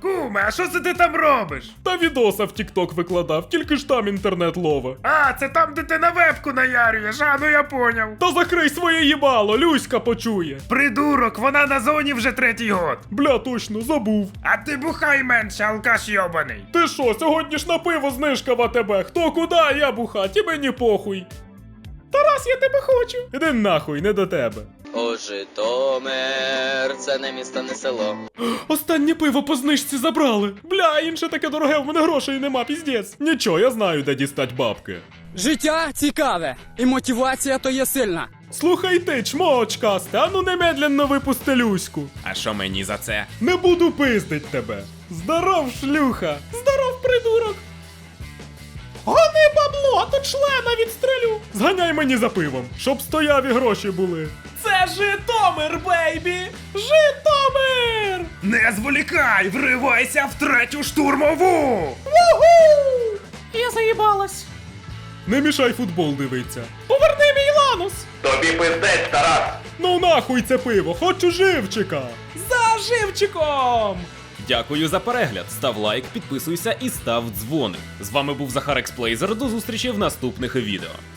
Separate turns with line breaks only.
Куме, а що це ти там робиш?
Та відоса в TikTok викладав, тільки ж там інтернет лове.
А, це там, де ти на вебку наярюєш, а ну я поняв.
Та закрий своє їбало, Люська почує.
Придурок, вона на зоні вже 3-й год.
Бля, точно, забув.
А ти бухай менше, алкаш йобаний.
Ти що, сьогодні ж на пиво знижка в АТБ. Хто куди, я бухать, і мені похуй. Тарас, я тебе хочу. Іди нахуй, не до тебе.
О, Житомир, це не місто, не село.
Останнє пиво по знижці забрали. Бля, інше таке дороге, в мене грошей нема, піздець. Нічого, я знаю, де дістать бабки.
Життя цікаве, і мотивація то є сильна.
Слухай ти, чмо очкасте, ану немедленно випусти Люську.
А що мені за це?
Не буду пиздить тебе. Здоров, шлюха. Здоров, придурок. Гони бабло, а то члена відстрелю. Зганяй мені за пивом, щоб стояв і гроші були. Це Житомир, бейбі! Житомир!
Не зволікай, вривайся в 3-ю штурмову!
Вугу! Я заїбалась. Не мішай футбол дивиться. Поверни мій ланус!
Тобі пиздець, Тарас!
Ну нахуй це пиво, хочу живчика! За живчиком!
Дякую за перегляд, став лайк, підписуйся і став дзвоник. З вами був Захар Експлейзер, до зустрічі в наступних відео.